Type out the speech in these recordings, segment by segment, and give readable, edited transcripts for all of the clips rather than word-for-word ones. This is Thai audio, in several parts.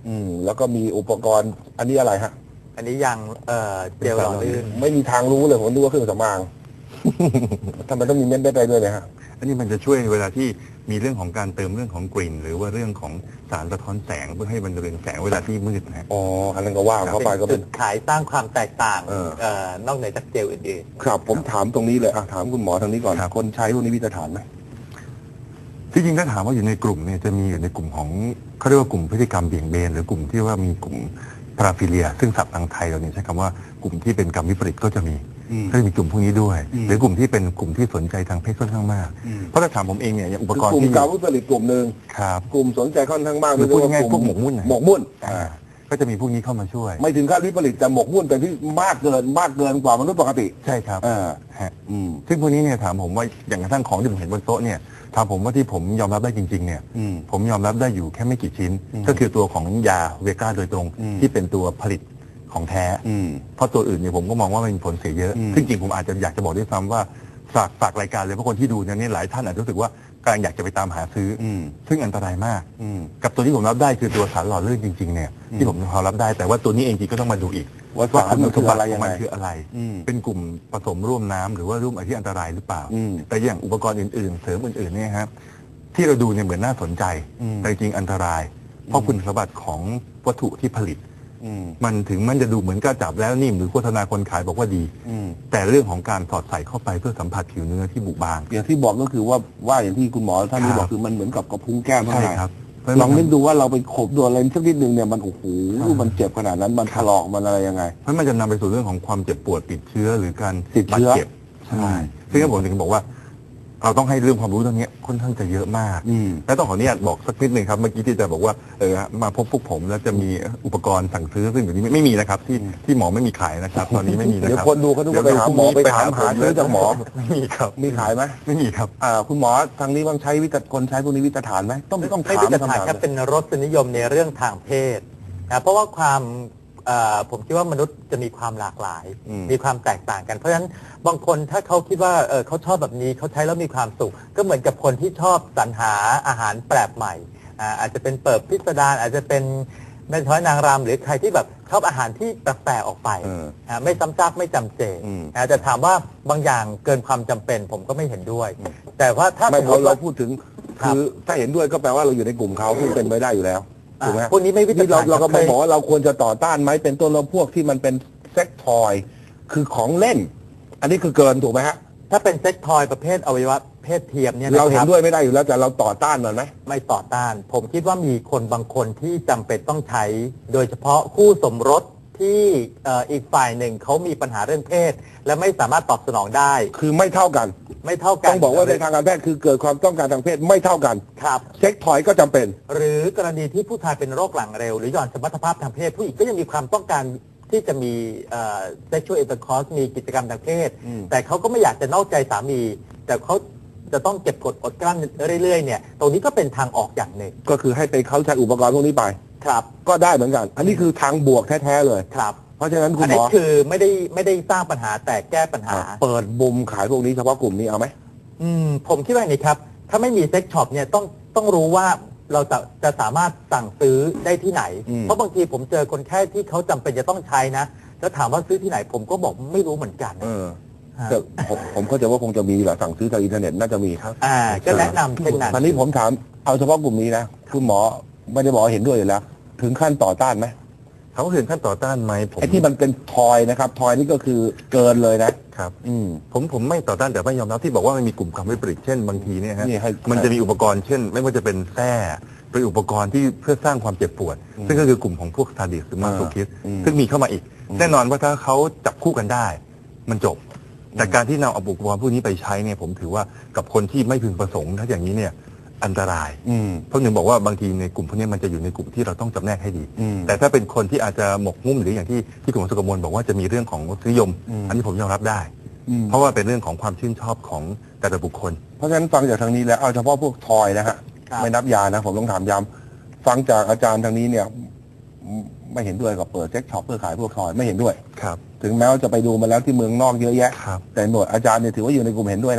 แล้วก็มีอุปกรณ์อันนี้อะไรฮะอันนี้ยังเจลหล่อลื่นไม่มีทางรู้เลยผมนึกว่าเครื่องสำอางทำไมต้องมีเม็ดได้ด้วยเนี่ยฮะอันนี้มันจะช่วยเวลาที่มีเรื่องของการเติมเรื่องของกลิ่นหรือว่าเรื่องของสารสะท้อนแสงเพื่อให้มันเรืองแสงเวลาที่มืดนะฮะอ๋ออันนั้นก็ว่าเข้าไปก็เป็นจุดขายสร้างความแตกต่างนอกเหนือจากเจลอื่นๆครับผมถามตรงนี้เลยถามคุณหมอทางนี้ก่อนคนใช้พวกนี้มีมาตรฐานไหมที่จริงถ้าถามว่าอยู่ในกลุ่มเนี่ยจะมีอยู่ในกลุ่มของเขาเรียกว่ากลุ่มพฤติกรรมเบี่ยงเบนหรือกลุ่มที่ว่ามีกลุ่มพาราฟิเลียซึ่งศัพท์ทางไทยเราเนี่ยใช้คำว่ากลุ่มที่เป็นกรรมวิปริตก็จะมีกลุ่มพวกนี้ด้วยหรือกลุ่มที่เป็นกลุ่มที่สนใจทางเพศค่อนข้างมากเพราะถ้าถามผมเองเนี่ยอุปกรณ์ที่กลุ่มกรรมวิปริตกลุ่มหนึ่งกลุ่มสนใจค่อนข้างมากหรือพูดง่ายๆพวกหมกมุ่นก็จะมีพวกนี้เข้ามาช่วยไม่ถึงขั้นวิปริตแต่หมกมุ่นแต่ที่มากเกินกว่ามนุษย์ปกติใช่ครับซึ่งพวกนี้เนี่ยถามผมว่าอย่างกระทั่งของที่ผมเห็นบนโต๊ะเนี่ยถามผมว่าที่ผมยอมรับได้จริงๆเนี่ยผมยอมรับได้อยู่แค่ไม่กี่ชิ้นก็คือตัวของยาเวก้าโดยตรงที่เป็นตัวผลิตของแท้เพราะตัวอื่นเนี่ยผมก็มองว่ามันมีผลเสียเยอะซึ่งจริงผมอาจจะอยากจะบอกด้วยซ้ำว่าฝากรายการเลยเพราะคนที่ดูเนี่ยหลายท่านอาจจะรู้สึกว่ากำลังอยากจะไปตามหาซื้อซึ่งอันตรายมากกับตัวที่ผมรับได้คือตัวสารหล่อลื่นจริงๆเนี่ยที่ผมพอรับได้แต่ว่าตัวนี้เองจริงก็ต้องมาดูอีกว่าคุณสมบัติของมันคืออะไรเป็นกลุ่มผสมร่วมน้ำหรือว่าร่วมอะไรที่อันตรายหรือเปล่าแต่อย่างอุปกรณ์อื่นๆเสริมอื่นๆเนี่ยครับที่เราดูเนี่ยเหมือนน่าสนใจแต่จริงอันตรายเพราะคุณสมบัติของวัตถุที่ผลิตมันถึงมันจะดูเหมือนกระจับแล้วนิ่มหรือโฆษณาคนขายบอกว่าดีแต่เรื่องของการสอดใส่เข้าไปเพื่อสัมผัสผิวเนื้อที่บุบางอย่างที่บอกก็คือว่าอย่างที่คุณหมอท่านนี้บอกคือมันเหมือนกับกระพุ้งแก้มเท่าไหร่ลองนึกดูว่าเราไปขบโดนอะไรสักนิดนึงเนี่ยมันโอ้โหมันเจ็บขนาดนั้นมันถลอกมันอะไรยังไงเพราะมันจะนำไปสู่เรื่องของความเจ็บปวดติดเชื้อหรือการติดเชื้อใช่ซึ่งผมถึงบอกว่าเราต้องให้เรื่องความรู้ตรงนี้ค่อนข้างจะเยอะมากและต้องขออนุญาตบอกสักนิดหนึ่งครับเมื่อกี้ที่จะบอกว่ามาพบพวกผมแล้วจะมีอุปกรณ์สั่งซื้อซึ่งเดี๋ยวนี้ไม่มีนะครับที่หมอไม่มีขายนะครับตอนนี้ไม่มีนะครับเดี๋ยวคนดูเขาต้องไปหาหมอไปถามหาซื้อจากหมอไม่มีครับมีขายไหมไม่มีครับคุณหมอทางนี้บางใช้คนใช้พวกนี้วิตรฐานไหมต้องถามวิตรฐานครับเป็นรสนิยมในเรื่องทางเพศนะเพราะว่าผมคิดว่ามนุษย์จะมีความหลากหลายมีความแตกต่างกันเพราะฉะนั้นบางคนถ้าเขาคิดว่าเขาชอบแบบนี้เขาใช้แล้วมีความสุขก็เหมือนกับคนที่ชอบสรรหาอาหารแปลกใหม่อาจจะเป็นเปิดพิสดารอาจจะเป็นแม่ช้อยนางรำหรือใครที่แบบชอบอาหารที่แปลกๆออกไปไม่ซ้ำซากไม่จำเจแต่ถามว่าบางอย่างเกินความจำเป็นผมก็ไม่เห็นด้วยแต่ว่าถ้าสมมติเราพูดถึงคือถ้าเห็นด้วยก็แปลว่าเราอยู่ในกลุ่มเขาที่เป็นไปได้อยู่แล้วถูกไหมพวกนี้ไม่วิจารณ์เราก็ไม่บอกว่าเราควรจะต่อต้านไหมเป็นต้นเราพวกที่มันเป็นเซ็กทอยคือของเล่นอันนี้คือเกินถูกไหมฮะถ้าเป็นเซ็กทอยประเภทอวัยวะเพศเทียมเนี่ยเราเห็นด้วยไม่ได้อยู่แล้วแต่เราต่อต้านมันไหมไม่ต่อต้านผมคิดว่ามีคนบางคนที่จำเป็นต้องใช้โดยเฉพาะคู่สมรสที่อีกฝ่ายหนึ่งเขามีปัญหาเรื่องเพศและไม่สามารถตอบสนองได้คือไม่เท่ากันต้องบอกว่าในทางการแพทย์คือเกิดความต้องการทางเพศไม่เท่ากันครับเซ็กทอยก็จำเป็นหรือกรณีที่ผู้ชายเป็นโรคหลังเร็วหรือหย่อนสมรรถภาพทางเพศผู้หญิงก็ยังมีความต้องการที่จะมีsexual intercourse มีกิจกรรมทางเพศแต่เขาก็ไม่อยากจะนอกใจสามีแต่เขาจะต้องเก็บกดอดกลั้นเรื่อยๆเนี่ยตรงนี้ก็เป็นทางออกอย่างหนึ่งก็คือให้ไปเขาใช้อุปกรณ์พวกนี้ไปครับก็ได้เหมือนกันอันนี้คือทางบวกแท้ๆเลยครับเพราะฉะนั้นคุณหมอคือไม่ได้สร้างปัญหาแต่แก้ปัญหาเปิดมุมขายพวกนี้เฉพาะกลุ่มนี้เอาไหมผมคิดว่าอย่างนี้ครับถ้าไม่มีเซ็กช็อปเนี่ยต้องรู้ว่าเราจะสามารถสั่งซื้อได้ที่ไหนเพราะบางทีผมเจอคนแค่ที่เขาจำเป็นจะต้องใช้นะแล้วถามว่าซื้อที่ไหนผมก็บอกไม่รู้เหมือนกันผมเข้าใจว่าคงจะมีแหละสั่งซื้อทางอินเทอร์เน็ตน่าจะมีครับก็แนะนำเช่นนั้นตอนนี้ผมถามเอาเฉพาะกลุ่มนี้นะคุณหมอไม่ได้บอกเห็นด้วยอยู่แล้วถึงขั้นต่อต้านไหมเขาถึงขั้นต่อต้านไหมไอ้ที่มันเป็นทอยนะครับทอยนี่ก็คือเกินเลยนะครับผมไม่ต่อต้านแต่ไม่ยอมรับที่บอกว่ามันมีกลุ่มกรรมวิปริตเช่นบางทีเนี่ยฮะมันจะมีอุปกรณ์เช่นไม่ว่าจะเป็นแส้เป็นอุปกรณ์ที่เพื่อสร้างความเจ็บปวดซึ่งก็คือกลุ่มของพวกซาดิสหรือมาโซคิสซึ่งมีเข้ามาอีกแน่นอนว่าถ้าเขาจับคู่กันได้มันจบแต่การที่นำอุปกรณ์พวกนี้ไปใช้เนี่ยผมถือว่ากับคนที่ไม่พึงประสงค์ถ้าอย่างนี้เนี่ยอันตรายเพราะหนึ่งบอกว่าบางทีในกลุ่มพวกนี้มันจะอยู่ในกลุ่มที่เราต้องจำแนกให้ดีแต่ถ้าเป็นคนที่อาจจะหมกมุ่นหรืออย่างที่คุณสุกมลบอกว่าจะมีเรื่องของรสนิยมอันนี้ผมยอมรับได้เพราะว่าเป็นเรื่องของความชื่นชอบของแต่ละบุคคลเพราะฉะนั้นฟังจากทางนี้แล้วเอาเฉพาะพวกทอยนะฮะไม่นับยานะผมต้องถามย้ำฟังจากอาจารย์ทางนี้เนี่ยไม่เห็นด้วยกับเปิดเซ็กช็อปเพื่อขายพวกทอยไม่เห็นด้วยครับถึงแม้ว่าจะไปดูมาแล้วที่เมืองนอกเยอะแยะแต่หน่วยอาจารย์เนี่ยถือว่าอยู่ในกลุ่มเห็นด้วยนะ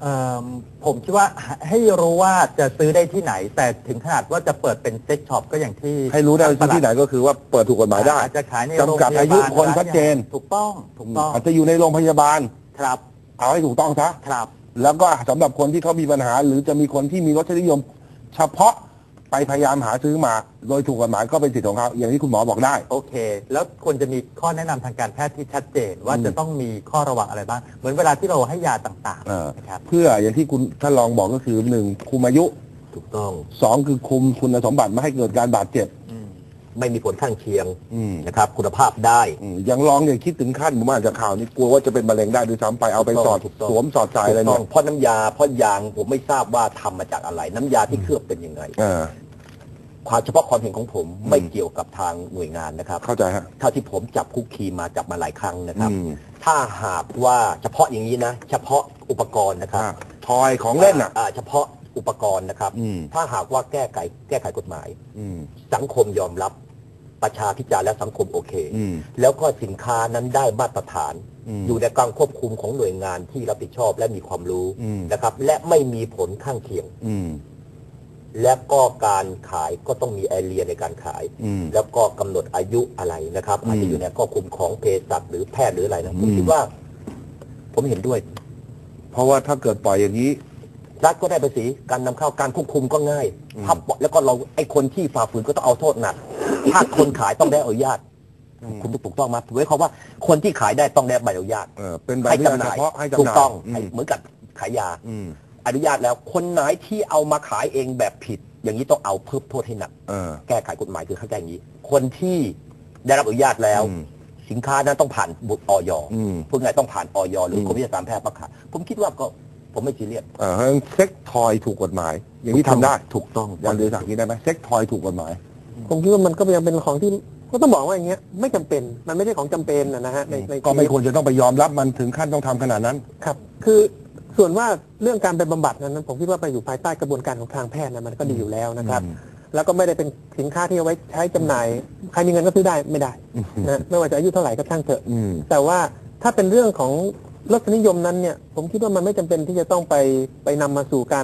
ผมคิดว่าให้รู้ว่าจะซื้อได้ที่ไหน แต่ถึงขนาดว่าจะเปิดเป็นเซ็กช็อปก็อย่างที่ให้รู้ได้ที่ไหนก็คือว่าเปิดถูกกฎหมายได้อาจจะขายในโรงพยาบาลจำกัดอายุคนชัดเจนถูกต้องอาจจะอยู่ในโรงพยาบาลครับเอาให้ถูกต้องซะครับแล้วก็สำหรับคนที่เขามีปัญหา หรือจะมีคนที่มีรสนิยม เฉพาะไปพยายามหาซื้อมาโดยถูกกฎหมายก็เป็นสิทธิ์ของเขาอย่างที่คุณหมอบอกได้โอเคแล้วควรจะมีข้อแนะนำทางการแพทย์ที่ชัดเจนว่าจะต้องมีข้อระวังอะไรบ้างเหมือนเวลาที่เราให้ยาต่างๆนะครับเพื่ออย่างที่คุณท่านรองบอกก็คือ1คุมอายุถูกต้อง 2คือคุมคุณสมบัติไม่ให้เกิดการบาดเจ็บไม่มีผลข้างเคียงนะครับคุณภาพได้อย่างรองเนี่ยคิดถึงขั้นผมอาจจะข่าวนี้กลัวว่าจะเป็นมะเร็งได้ด้วยซ้ำไปเอาไปสอดสวมสอดใจอะไรเนี่ยเพราะน้ำยาเพราะยางผมไม่ทราบว่าทำมาจากอะไรน้ำยาที่เคลือบเป็นยังไงความเฉพาะความเห็นของผมไม่เกี่ยวกับทางหน่วยงานนะครับเข้าใจฮะเท่าที่ผมจับคุกคีมาจับมาหลายครั้งนะครับถ้าหากว่าเฉพาะอย่างนี้นะเฉพาะอุปกรณ์นะครับทอยของเล่นเฉพาะอุปกรณ์นะครับถ้าหากว่าแก้ไขกฎหมายสังคมยอมรับประชาพิจารณ์และสังคมโอเคแล้วก็สินค้านั้นได้มาตรฐานอยู่ในการควบคุมของหน่วยงานที่รับผิดชอบและมีความรู้นะครับและไม่มีผลข้างเคียงและก็การขายก็ต้องมีแอเรียในการขายแล้วก็กำหนดอายุอะไรนะครับอาจจะอยู่ในข้อคุมของเภสัชหรือแพทย์หรืออะไรนะผมคิดว่าผมเห็นด้วยเพราะว่าถ้าเกิดปล่อยอย่างนี้รัฐก็ได้ภาษีการนำเข้าการควบคุมก็ง่ายถ้าแล้วก็เราไอ้คนที่ฝ่าฝืนก็ต้องเอาโทษหนักถ้าคนขายต้องได้อนุญาตคุณถูกต้องมาถือไว้เขาว่าคนที่ขายได้ต้องได้ใบอนุญาตเป็นใบให้จำหน่ายถูกต้องเหมือนกับขายยาอนุญาตแล้วคนไหนที่เอามาขายเองแบบผิดอย่างนี้ต้องเอาเพิ่มโทษให้หนักแก้ไขกฎหมายคือเข้าใจอย่างนี้คนที่ได้รับอนุญาตแล้วสินค้านั้นต้องผ่านบุตรอย.พวกไหนต้องผ่านอย.หรือกรมวิชาการแพทย์ประกาศผมคิดว่าก็ผมไม่ซีเรียสเซ็กทอยถูกกฎหมายอย่างนี้ทำได้ถูกต้องอย่างเดียวจากนี้ได้ไหมเซ็กทอยถูกกฎหมายผมคิดว่ามันก็ยังเป็นของที่ก็ต้องบอกว่าอย่างเงี้ยไม่จำเป็นมันไม่ใช่ของจำเป็นนะฮะในก็ไม่ควรจะต้องไปยอมรับมันถึงขั้นต้องทำขนาดนั้นครับคือส่วนว่าเรื่องการไปบำบัดนั้นผมคิดว่าไปอยู่ภายใต้กระบวนการของทางแพทย์นะมันก็ดีอยู่แล้วนะครับแล้วก็ไม่ได้เป็นสินค้าที่เอาไว้ใช้จำหน่ายใครมีเงินก็ซื้อได้ไม่ได้นะไม่ว่าจะอายุเท่าไหร่ก็ช่างเถอะแต่ว่าถ้าเป็นเรื่องของรสนิยมนั้นเนี่ยผมคิดว่ามันไม่จำเป็นที่จะต้องไปนำมาสู่การ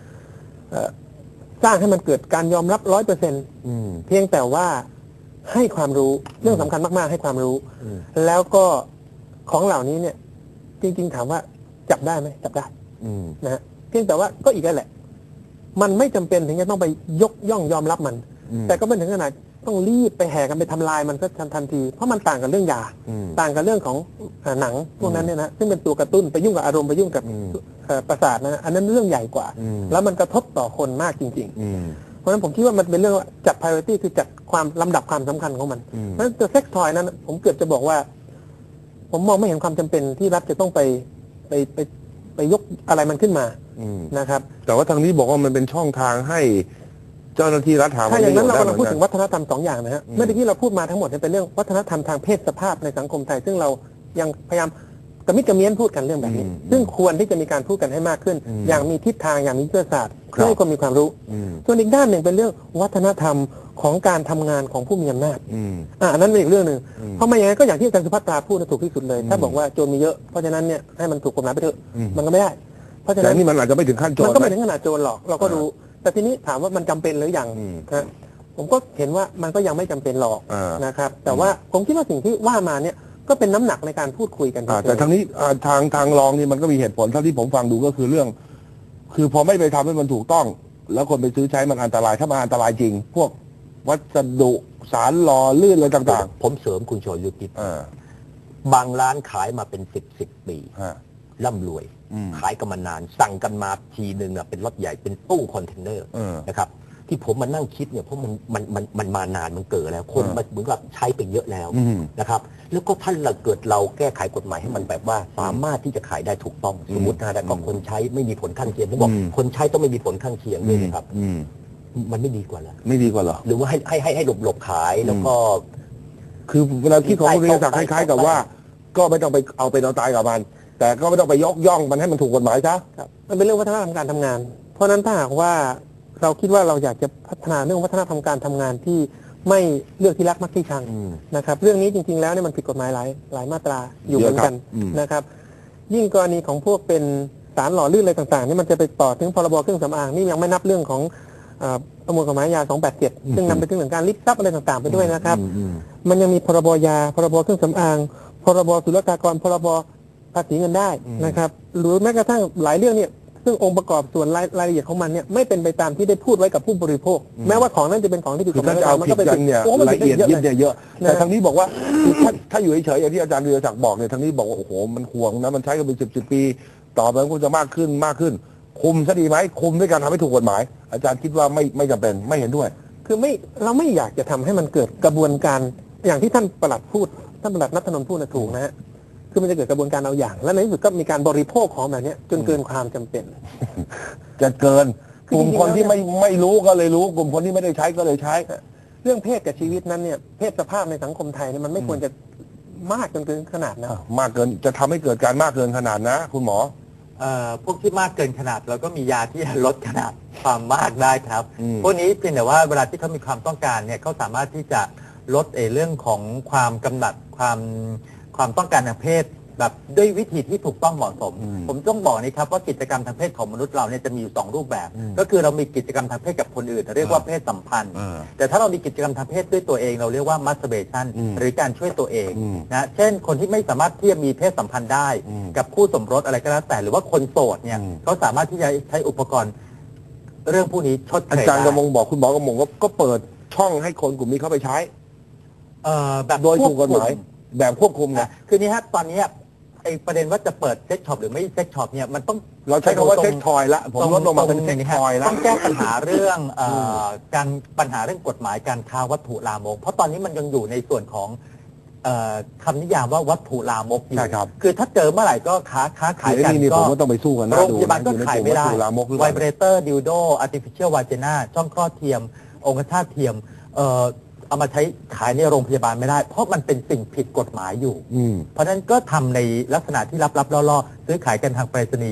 สร้างให้มันเกิดการยอมรับ 100%เพียงแต่ว่าให้ความรู้เรื่องสำคัญมากๆให้ความรู้แล้วก็ของเหล่านี้เนี่ยจริงๆถามว่าจับได้ไหมจับได้นะฮะเพียงแต่ว่าก็อีกแล้วแหละมันไม่จำเป็นถึงจะต้องไปยกย่องยอมรับมันแต่ก็ไม่ถึงขนาดต้องรีบไปแห่กันไปทำลายมันก็ทันทีเพราะมันต่างกับเรื่องยาต่างกับเรื่องของหนังพวกนั้นเนี่ยนะซึ่งเป็นตัวกระตุ้นไปยุ่งกับอารมณ์ไปยุ่งกับประสาทนะอันนั้นเรื่องใหญ่กว่าแล้วมันกระทบต่อคนมากจริงๆเพราะฉะนั้นผมคิดว่ามันเป็นเรื่องจัด priority คือจัดความลำดับความสำคัญของมันเพราะฉะนั้นตัวเซ็กทอยนั้นผมเกือบจะบอกว่าผมมองไม่เห็นความจำเป็นที่รัฐจะต้องไปยกอะไรมันขึ้นมานะครับแต่ว่าทางนี้บอกว่ามันเป็นช่องทางให้เจ้าหน้าที่รัฐหาถ้าอย่างนั้นเรากำลังพูดถึงวัฒนธรรม2 อย่างนะฮะเมื่อกี้เราพูดมาทั้งหมดเป็นเรื่องวัฒนธรรมทางเพศสภาพในสังคมไทยซึ่งเรายังพยายามกระมิดกระเมี้ยนพูดกันเรื่องแบบนี้ซึ่งควรที่จะมีการพูดกันให้มากขึ้นอย่างมีทิศทางอย่างมียุทธศาสตร์เพื่อให้คนมีความรู้ส่วนอีกด้านหนึ่งเป็นเรื่องวัฒนธรรมของการทำงานของผู้มีอำนาจอันนั้นเป็นอีกเรื่องหนึ่งเพราะไม่อย่างนั้นก็อย่างที่อาจารย์สุภัตราพูดถูกที่สุดเลยถ้าบอกว่าโจรมีเยอะเพราะฉะนั้นเนี่ยให้มันถูกกฎหมายไปเถอะมันก็ไม่ได้เพราะฉะนั้นนี่มันอาจจะไม่ถึงขั้นโจรมันก็ไม่ถึงขนาดโจรหรอกเราก็รู้แต่ทีนี้ถามว่ามันจำเป็นหรือยังนะผมก็เห็นว่ามันก็ยังไม่จำเป็นหรอกนะครับแต่ว่าผมคิดว่าสิ่งที่ว่ามาเนี่ยก็เป็นน้ำหนักในการพูดคุยกันแต่ทางนี้ทางรองนี่มันก็มีเหตุผลเท่าที่ผมฟังดูก็คือเรื่องคือพอไม่ไปทำให้มันถูกต้องแล้วคนไปซื้อใช้มันอันตรายถ้ามันอันตรายจริงพวกวัสดุสารหล่อลื่นอะไรต่างๆผมเสริมคุณชยุทธบางร้านขายมาเป็น10 ปีร่ำรวยขายกันมานานสั่งกันมาทีหนึ่งเป็นรถใหญ่เป็นตู้คอนเทนเนอร์นะครับที่ผมมานั่งคิดเนี่ยเพราะมันมานานมันเกิดแล้วคนมันเหมือนกับใช้ไปเยอะแล้วนะครับแล้วก็ท่านเราเกิดเราแก้ไขกฎหมายให้มันแบบว่าสามารถที่จะขายได้ถูกต้องสมมตินะแต่ก็คนใช้ไม่มีผลข้างเคียงผมบอกคนใช้ต้องไม่มีผลข้างเคียงด้วยนะครับมันไม่ดีกว่าเหรอไม่ดีกว่าเหรอหรือว่าให้หลบขายแล้วก็คือเวลาคิดของคุณเรียนศักดิ์คล้ายๆกับว่าก็ไม่ต้องไปเอาไปนอนตายกับมันแต่ก็ไม่ต้องไปยกย่องมันให้มันถูกกฎหมายซะมันเป็นเรื่องวัฒนธรรมการทำงานเพราะนั้นถ้าหากว่าเราคิดว่าเราอยากจะพัฒนาเรื่องวัฒนธรรมการทำงานที่ไม่เลือกที่รักมักที่ชังนะครับเรื่องนี้จริงๆแล้วเนี่ยมันผิดกฎหมายหลายมาตราอยู่เหมือนกันนะครับยิ่งกรณีของพวกเป็นสารหล่อลื่นอะไรต่างๆนี่มันจะไปต่อถึงพรบเครื่องสำอางนี่ยังไม่นับเรื่องของประมวลกฎหมายยา 287 ซึ่งนำไปถึงเรื่องการลิบทรัพย์อะไรต่างๆไปด้วยนะครับมันยังมีพรบยาพรบเครื่องสำอางพรบศุลกากรพรบภาษีเงินได้นะครับหรือแม้กระทั่งหลายเรื่องเนี่ยซึ่งองค์ประกอบส่วนรายละเอียดของมันเนี่ยไม่เป็นไปตามที่ได้พูดไว้กับผู้บริโภคแม้ว่าของนั้นจะเป็นของที่ผิดกคือฎหมาถ้าย จะเอาผิดกันเนี่ยละเอียดยิบเนี่ยเยอะแต่ทางนี้บอกว่าคือถ้าอยู่เฉยๆอย่างที่อาจารย์วีรศักดิ์บอกเนี่ยทางนี้บอกว่าโอ้โหมันห่วงนะมันใช้กันเป็น10 ปีต่อไปมันคงจะมากขึ้นคุมซะดีไหมคุมด้วยการทำให้ถูกกฎหมายอาจารย์คิดว่าไม่จำเป็นไม่เห็นด้วยคือเราไม่อยากจะทำให้มันเกิดกระบวนการอย่างที่ท่านปลัดพูดท่านปลัดณัฐนนท์พูดนะถูกนะฮะคือมันจะเกิดกระบวนการเอาอย่างและในที่สุดก็มีการบริโภคของแบบนี้จนเกินความจำเป็นจะเกินกลุ่มคนที่ไม่รู้ก็เลยรู้กลุ่มคนที่ไม่ได้ใช้ก็เลยใช้เรื่องเพศกับชีวิตนั้นเนี่ยเพศสภาพในสังคมไทยเนี่ยมันไม่ควรจะมากจนเกินขนาดนะมากเกินจะทำให้เกิดการมากเกินขนาดนะคุณหมอพวกที่มากเกินขนาดเราก็มียาที่ลดขนาดความมากได้ครับพวกนี้เพียงแต่ว่าเวลาที่เขามีความต้องการเนี่ยเขาสามารถที่จะลดเรื่องของความกำหนัดความต้องการทางเพศแบบด้วยวิธีที่ถูกต้องเหมาะสมผมต้องบอกนี่ครับว่ากิจกรรมทางเพศของมนุษย์เราเนี่ยจะมีอยู่2รูปแบบก็คือเรามีกิจกรรมทางเพศกับคนอื่นเรียกว่าเพศสัมพันธ์แต่ถ้าเรามีกิจกรรมทางเพศด้วยตัวเองเราเรียกว่า masturbation หรือการช่วยตัวเองนะเช่นคนที่ไม่สามารถที่จะมีเพศสัมพันธ์ได้กับคู่สมรสอะไรก็แล้วแต่หรือว่าคนโสดเนี่ยเขาสามารถที่จะใช้อุปกรณ์เรื่องพวกนี้ชดเชยอาจารย์กำมงบอกคุณหมอกำมงก็เปิดช่องให้คนกลุ่มนี้เข้าไปใช้แบบโดยถูกกฎหมายแบบควบคุมนะคือนี่ฮะตอนนี้ไอ้ประเด็นว่าจะเปิดเซ็กช็อปหรือไม่เซ็กช็อปเนี่ยมันต้องเราใช้คำว่าเซ็กทอยละผมลดลงมาเป็นเซ็กทอยละต้องแก้ปัญหาเรื่องปัญหาเรื่องกฎหมายการค้าวัตถุลามกเพราะตอนนี้มันยังอยู่ในส่วนของคำนิยามว่าวัตถุลามกอยู่คือถ้าเจอเมื่อไหร่ก็ค้าขายกันก็ต้องไปสู้กันนะโรงพยาบาลก็ขายไม่ได้ไวเบรเตอร์ดิวโดอาร์ติฟิเชียลวาเจน่าช่องคลอดเทียมองคชาตเทียมเอามาใช้ขายในโรงพยาบาลไม่ได้เพราะมันเป็นสิ่งผิดกฎหมายอยู่เพราะฉะนั้นก็ทำในลักษณะที่ลับๆล่อๆซื้อขายกันทางไปรษณีย์